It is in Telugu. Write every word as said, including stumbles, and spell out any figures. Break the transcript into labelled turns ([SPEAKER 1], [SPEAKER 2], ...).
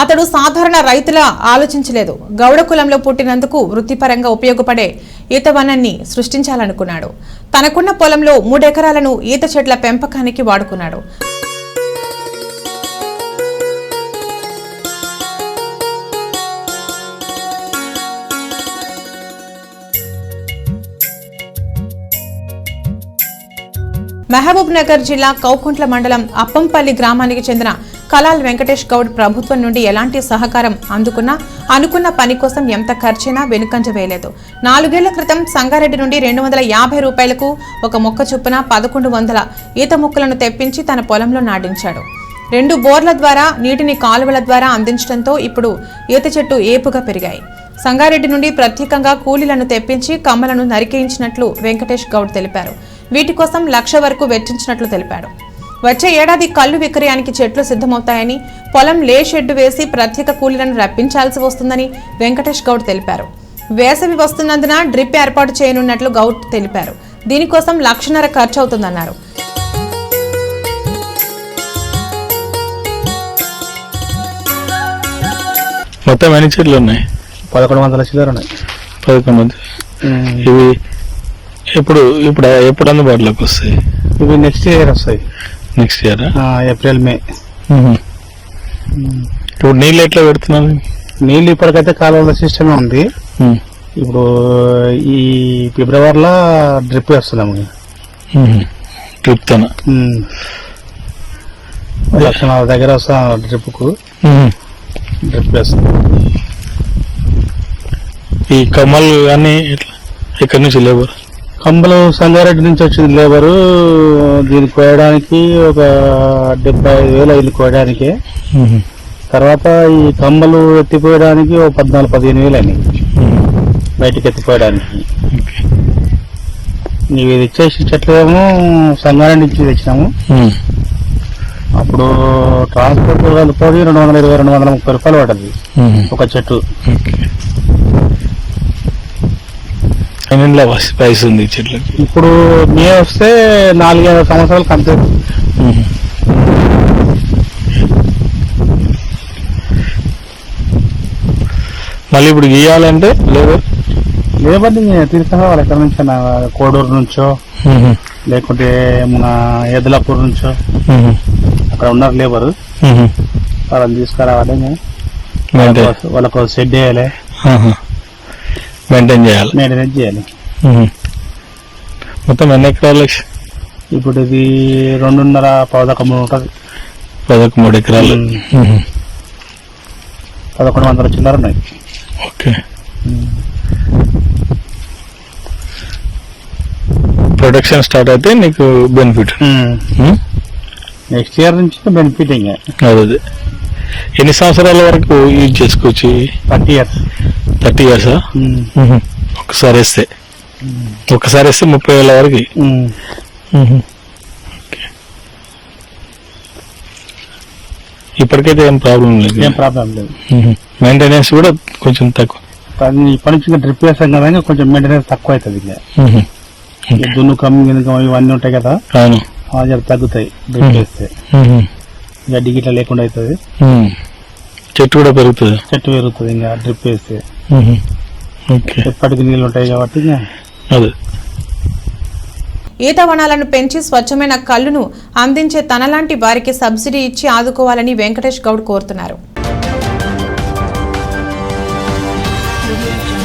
[SPEAKER 1] అతడు సాధారణ రైతులా ఆలోచించలేదు. గౌడ కులంలో పుట్టినందుకు వృత్తిపరంగా ఉపయోగపడే ఈత వనాన్ని సృష్టించాలనుకున్నాడు. తనకున్న పొలంలో మూడెకరాలను ఈత చెట్ల పెంపకానికి వాడుకున్నాడు. మహబూబ్ నగర్ జిల్లా కౌకుంట్ల మండలం అప్పంపల్లి గ్రామానికి చెందిన కలాల్ వెంకటేష్ గౌడ్ ప్రభుత్వం నుండి ఎలాంటి సహకారం అందుకున్నా అనుకున్న పని కోసం ఎంత ఖర్చైనా వెనుకంజ వేయలేదు. నాలుగేళ్ల క్రితం సంగారెడ్డి నుండి రెండు వందల యాభై రూపాయలకు ఒక మొక్క చొప్పున పదకొండు వందల ఈత మొక్కలను తెప్పించి తన పొలంలో నాటించాడు. రెండు బోర్ల ద్వారా నీటిని కాలువల ద్వారా అందించడంతో ఇప్పుడు ఈత చెట్టు ఏపుగా పెరిగాయి. సంగారెడ్డి నుండి ప్రత్యేకంగా కూలీలను తెప్పించి కమ్మలను నరికేయించినట్లు వెంకటేష్ గౌడ్ తెలిపారు. వీటి కోసం లక్ష వరకు వెచ్చించినట్లు తెలిపాడు. వచ్చే ఏడాది కల్లు విక్రయానికి చెట్లు సిద్ధమవుతాయని, పొలం లే షెడ్డు వేసి ప్రత్యేక కూలీలను రప్పించాల్సి వస్తుందని వెంకటేష్ గౌడ్ తెలిపారు. వేసవి వస్తున్నందున డ్రిప్ ఏర్పాటు చేయనున్నట్లు గౌడ్ తెలిపారు. దీనికోసం లక్షన్నర ఖర్చు అవుతుందన్నారు.
[SPEAKER 2] మొత్తం ఎన్ని చెట్లు ఉన్నాయి?
[SPEAKER 3] పదకొండు వందల చిల్లర ఉన్నాయి.
[SPEAKER 2] పదకొండు వందలు. ఇవి ఎప్పుడు ఇప్పుడు ఎప్పుడు అందుబాటులోకి వస్తాయి?
[SPEAKER 3] ఇవి నెక్స్ట్ ఇయర్ వస్తాయి.
[SPEAKER 2] Next year
[SPEAKER 3] April May.
[SPEAKER 2] ఇప్పుడు నీళ్ళు ఎట్లా పెడుతున్నారు?
[SPEAKER 3] నీళ్ళు ఇప్పటికైతే కాలువల సిస్టమే ఉంది. ఇప్పుడు ఈ ఫిబ్రవరిలో డ్రిప్ వేస్తున్నాము.
[SPEAKER 2] డ్రిప్ తన
[SPEAKER 3] లక్షణాల దగ్గర వస్తా డ్రిప్ కు డ్రిప్ వేస్తాం.
[SPEAKER 2] ఈ కమ్మలు కానీ ఎక్కడి నుంచి లేబర్?
[SPEAKER 3] కంబలు సంగారెడ్డి నుంచి వచ్చింది లేబరు. దీన్ని కోయడానికి ఒక డెబ్బై ఐదు వేలు అయింది కోయడానికి. తర్వాత ఈ కమ్మలు ఎత్తిపోయడానికి ఒక పద్నాలుగు పదిహేను వేలు అయినాయి బయటికి ఎత్తిపోయడానికి. ఇవి ఇచ్చేసి చెట్లు ఏమో సంగారెడ్డి నుంచి తెచ్చినాము. అప్పుడు ట్రాన్స్పోర్ట్ కలిపోయి రెండు వందల ఇరవై రెండు వందల ముప్పై రూపాయలు పడ్డది ఒక చెట్టు.
[SPEAKER 2] వయసు ఉంది చెట్లకి.
[SPEAKER 3] ఇప్పుడు మే వస్తే నాలుగైదు సంవత్సరాలు కంటే
[SPEAKER 2] మళ్ళీ ఇప్పుడు గీయాలంటే లేబర్
[SPEAKER 3] లేబర్ తీసుకురావాలి. ఎక్కడి నుంచో కోడూరు నుంచో లేకుంటే మన ఎద్దులాపూర్ నుంచో అక్కడ ఉన్నారు లేబరు. వాళ్ళని తీసుకురావాలి. వాళ్ళకు షెడ్ వేయాలి,
[SPEAKER 2] మెయింటైన్ చేయాలి
[SPEAKER 3] మెయింటెనెన్స్ చేయాలి.
[SPEAKER 2] మొత్తం ఎన్ని ఎకరాలు?
[SPEAKER 3] ఇప్పుడు ఇది రెండున్నర పదకొండు మూడు ఉంటుంది.
[SPEAKER 2] పదకొండు మూడు ఎకరాలు.
[SPEAKER 3] పదకొండు వందల చిల్లర ఉన్నాయి.
[SPEAKER 2] ఓకే. ప్రొడక్షన్ స్టార్ట్ అయితే నీకు బెనిఫిట్.
[SPEAKER 3] నెక్స్ట్ ఇయర్ నుంచి బెనిఫిట్. ఇంకా
[SPEAKER 2] అదే ఎన్ని సంవత్సరాల వరకు యూజ్ చేసుకోవచ్చు?
[SPEAKER 3] Thirty years.
[SPEAKER 2] థర్టీ ఇయర్సా? ఒకసారి వేస్తే ఒకసారి వేస్తే ముప్పై వేల వరకు. ఇప్పటికైతే ఏం ప్రాబ్లం లేదు.
[SPEAKER 3] ఏం ప్రాబ్లం లేదు.
[SPEAKER 2] మెయింటెనెన్స్ కూడా కొంచెం తక్కువ.
[SPEAKER 3] ఇప్పటి నుంచి కొంచెం వేసాం కదా, కొంచెం మెయింటెనెన్స్ తక్కువ అవుతుంది. ఇంకా దున్ను కమ్మి ఇవన్నీ ఉంటాయి కదా, జర తగ్గుతాయి డ్రిప్ వేస్తే. గడ్డి గిట్లా లేకుండా అవుతుంది.
[SPEAKER 2] చెట్టు కూడా పెరుగుతుంది.
[SPEAKER 3] చెట్టు పెరుగుతుంది ఇంకా డ్రిప్ వేస్తే. ఎప్పటికి నీళ్ళు ఉంటాయి కాబట్టి.
[SPEAKER 2] అదే
[SPEAKER 1] ఈత వనాలను పెంచి స్వచ్ఛమైన కల్లును అందించే తనలాంటి వారికి సబ్సిడీ ఇచ్చి ఆదుకోవాలని వెంకటేష్ గౌడ్ కోరుతున్నారు.